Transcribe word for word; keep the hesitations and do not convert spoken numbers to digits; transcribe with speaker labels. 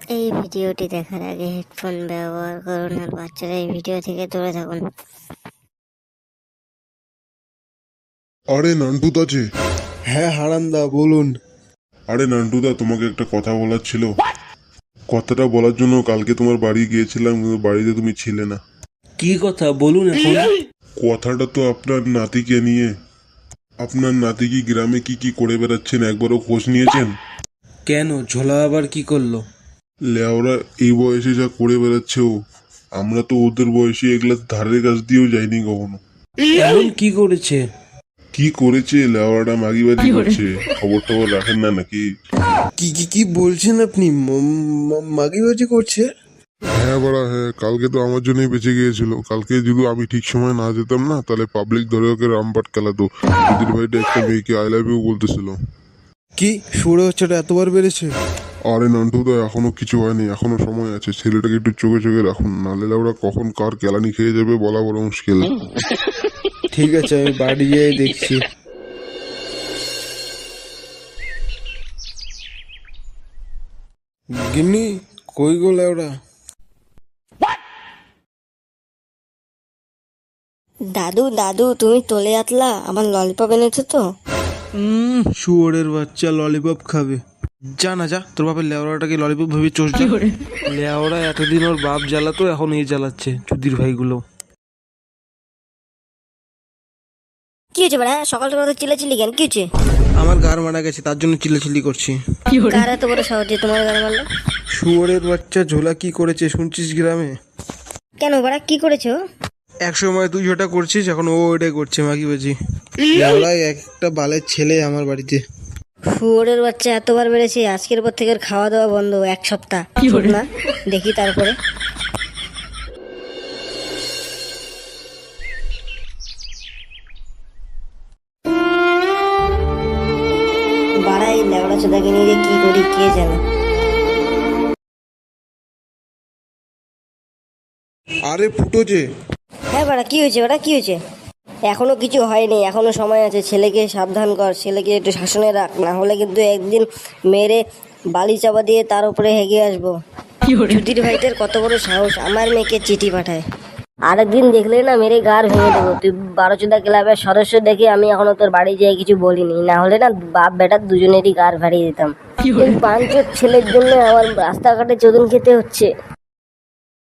Speaker 1: এই ভিডিওটি দেখার আগে হেডফোন ব্যবহার করুন আর বাচ্চারা এই ভিডিও থেকে দূরে থাকুন।
Speaker 2: আরে নান্টুদা যে।
Speaker 3: হ্যাঁ হারান্দা বলুন।
Speaker 2: আরে নান্টুদা, তোমাকে একটা কথা বলার ছিল। কথাটা বলার জন্য কালকে তোমার বাড়ি গিয়েছিলাম, কিন্তু বাড়িতে তুমি ছিলে না।
Speaker 3: কি কথা বলুন এখন।
Speaker 2: কথাটা তো আপনার নাতিকে নিয়ে। আপনার নাতি কি গ্রামে কি কি করে বেড়াচ্ছেন একবারও খোঁজ নিয়েছেন?
Speaker 3: কেন, ঝোলা আবার কি করলো?
Speaker 2: লেওরা এই বয়সে যা করে বেড়াচ্ছে ও, আমরা তো ওদের বয়সে এগুলা ধারের কাছ দিয়েও যাইনি কখনো।
Speaker 3: এমন কি করেছে?
Speaker 2: কি করেছে? লেওয়াটা মাগিবাজি করছে। খবর টবর রাখেন না নাকি?
Speaker 3: কি কি কি বলছেন আপনি? মাগিবাজি করছে?
Speaker 2: হ্যাঁ বড়া, হ্যাঁ, কালকে তো আমার জন্যই বেঁচে গিয়েছিল। কালকে যদি আমি ঠিক সময় না যেতাম না, তাহলে পাবলিক ধরে ওকে রামপাট খেলাতো। দিদির ভাইটা একটা মেয়েকে আই লাভ ইউ বলতেছিল।
Speaker 3: কি সুরে হচ্ছেটা এতবার বেড়েছে?
Speaker 2: আরে নান্টুদা, এখনো কিছু হয়নি, এখনো সময় আছে। ছেলেটাকে একটু চোখে চোখে রাখুন, নাহলে ওরা কখন কার কেলানি খেয়ে যাবে বলা বড় মুশকিল।
Speaker 3: ঠিক আছে, আমি বাড়ি গিয়ে দেখছি। গিন্নি কই গো লেওড়া?
Speaker 1: দাদু দাদু তুমি তোলে আতলা আমার ললিপপ এনেছো তো?
Speaker 3: হুম, শুয়োরের বাচ্চা ললিপপ খাবে। যা না যা, তোর বাপের লেওড়াটাকে ললিপপ ভেবে চোষ যা। লেওড়া এতদিন ওর বাপ জ্বালাতো, এখন এই জ্বালাচ্ছে চুদির ভাইগুলো।
Speaker 1: কি হয়েছে বড়া? সকাল সকাল চিল্লাচিল্লি কেন? কি হয়েছে?
Speaker 3: আমার গার মারা গেছে, তার জন্য চিল্লাচিল্লি করছি।
Speaker 1: কার এত বড় সাহস যে তোমার গান মারলো?
Speaker 3: শুয়োরের বাচ্চা ঝোলা কি করেছে শুনছিস গ্রামে?
Speaker 1: কেন বড়া, কি করেছো?
Speaker 3: এক সময় তুই যেটা করছিস, এখন ও ওইটাই করছে মাগিবাজি। লেওড়ায় একটা বালের ছেলে আমার বাড়িতে।
Speaker 1: শুয়োরের বাচ্চা এতবার বেড়েছে, আজকের পর থেকে ওর খাওয়া দাওয়া বন্ধ এক সপ্তাহ। চুপ না, দেখি তারপরে। বাড়াই লেবড়া চোদাকে নিয়ে যে কি করি কে জানে।
Speaker 3: আরে ফুটো যে।
Speaker 1: হ্যাঁ বাড়া, কি হয়েছে বাড়া, কি হয়েছে? এখনো কিছু হয়নি, এখনো সময় আছে। ছেলেকে সাবধান কর, ছেলেকে একটু শাসনে রাখ, না হলে কিন্তু একদিন মেরে বালি চাপা দিয়ে তার উপরে হেগে আসবো। ছুটির ভাইদের কত বড় সাহস, আমার মেয়েকে চিঠি পাঠায়। আরেকদিন দেখলে না মেরে গার ভেঙে দেবো। তুই বারোচোদা ক্লাবের সদস্য দেখে আমি এখনো তোর বাড়ি যেয়ে কিছু বলিনি, না হলে না বাপ বেটার দুজনেরই গার ভাড়িয়ে দিতাম। এই পাঁচজোর ছেলের জন্য আমার রাস্তাঘাটে চোদন খেতে হচ্ছে।